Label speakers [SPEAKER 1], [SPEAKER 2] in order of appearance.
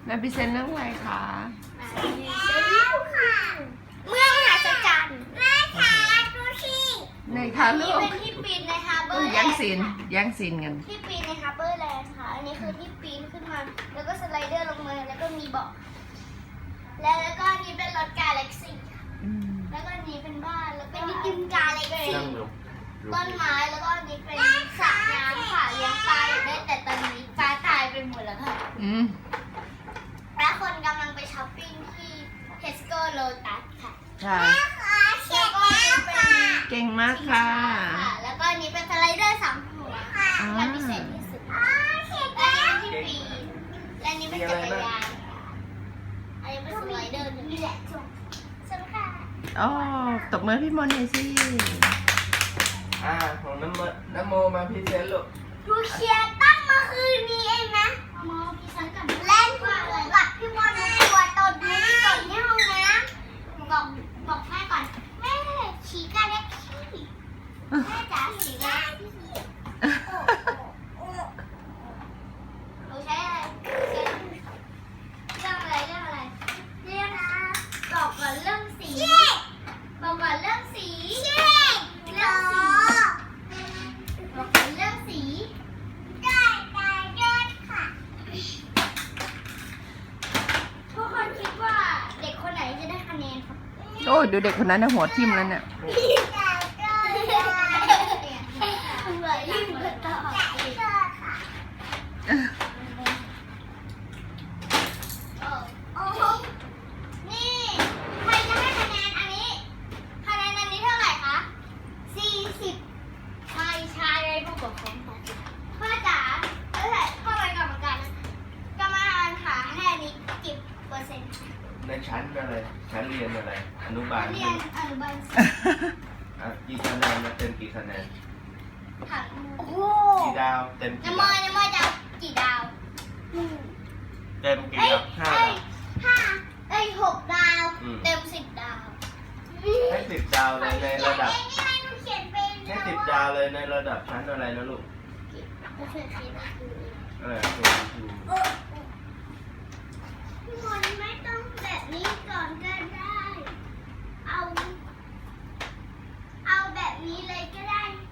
[SPEAKER 1] แม่พิเศษเรื่องอะไรคะ
[SPEAKER 2] แล้วค่ะเมื่อมหัศจรรย์แม่ขาดูสิ
[SPEAKER 1] ในคะลู
[SPEAKER 2] นี่
[SPEAKER 1] ก
[SPEAKER 2] เป็นที่ปีนในฮาร์เบอร์แล
[SPEAKER 1] แย่ง
[SPEAKER 2] นด์
[SPEAKER 1] ซีนแย่งซีนกัน
[SPEAKER 2] ที่ปีนในฮาร์เบอร์แลนด์ค่ะอันนี้คือที่ปีนขึ้นมาแล้วก็สไลเดอร์ลงมาแล้วก็มีเบาะแล้วก็อันนี้เป็นรถกาแล็กซี่
[SPEAKER 1] อืม
[SPEAKER 2] แล้วก็อันนี้เป็นบ้านแล้วก็อันนี้เป็นกาแล็กซี่
[SPEAKER 3] นั่งดู
[SPEAKER 2] ต้นไม้แล้วก็อันนี้เป็นสระน้ำค่ะเลี้ยงปลาอยู่ได้แต่ตอนนี้ปลาตายไปหมดแล้วค่ะ
[SPEAKER 1] อืม
[SPEAKER 2] และคนกำลังไปช้อปปิ้งที่เทสโก้โลตัสค่ะ
[SPEAKER 1] ค่ะ
[SPEAKER 2] แล้วก็อันนี้เป็น
[SPEAKER 1] เก่งมากค่ะ
[SPEAKER 2] แล้วก็อันนี้เป็นสไลเดอร์สามหัวค่ะมันพิเศษที่สุดและอันนี้ที่ปีนและอันนี้เป็นจักรยานค่ะอันนี้เป็นสไลเดอร์หนึ่งนี่แหละจุ๊บสวัสดีค่ะ
[SPEAKER 1] อ๋อตบมือพี่มนต์หน่อยสิ
[SPEAKER 3] ของน้ำโมมาพรีเซนต์ลูก
[SPEAKER 2] ดูเชียร์ตั้งเมื่อคืนนี้เองนะมอพี่ฉันกับเล่นกับพี่มอนตัวตดไม่ได้ตดที่ห้องน้ำบอกแม่ก่อนแม่ฉี่กันได้ขี้แม่จ๋าฉี่กันหนูใช้อะไรเรื่องอะไรเรื่องอะไรเรื่องบอกก่อนเรื่องสีบอกก่อนเรื่องสีเรื่องสีบอกก่อนเรื่องสีได้ค่ะทุกคนคิดว่าเด็กคนไหนจะได้คะแนนครับ
[SPEAKER 1] โอ้ยดูเด็กคนนั้นนะหัวทิ่มแล้วเนี่ย
[SPEAKER 2] เหมือนลิงกระต่ายโอ้โหนี่ใครจะให้คะแนนอันนี้คะแนนอันนี้เท่าไหร่คะ40ไม่ใช่เลยผู้ปกครองค่ะพ่อจ๋าเท่าไหร่พ่อเป็นกรรมการนะกรรมการค่ะให้อันนี้กี่เปอร์เซ็นต์
[SPEAKER 3] ในชั้นอะไรชั้นเรียนอะไร อนุบาล
[SPEAKER 2] เรียนอนุบาล
[SPEAKER 3] กี่คะแนนนะเต็มกี่คะแนน
[SPEAKER 2] ค่ะโอ้โห
[SPEAKER 3] กี่ดาวเต็มกี่
[SPEAKER 2] น้ำม
[SPEAKER 3] ดา
[SPEAKER 2] อ
[SPEAKER 3] วย
[SPEAKER 2] น้ำมอยจะเอากี่ดาว
[SPEAKER 3] เต็มกี่
[SPEAKER 2] เอ้ย
[SPEAKER 3] ดาว
[SPEAKER 2] 6
[SPEAKER 3] 5 ดาว
[SPEAKER 2] ดาว
[SPEAKER 3] อืม
[SPEAKER 2] เต็ม10 ดาว
[SPEAKER 3] ให้10 ดาวเลยในระดับ
[SPEAKER 2] นี่ให้หนูเขียนเป็น
[SPEAKER 3] ให้10 ดาวเลยในระดับชั้นอะไรนะลูก
[SPEAKER 2] เขียนเป็นคือ พี่มนต์ไม่ต้องแบบนี้ก่อนก็ได้ เอาแบบนี้เลยก็ได้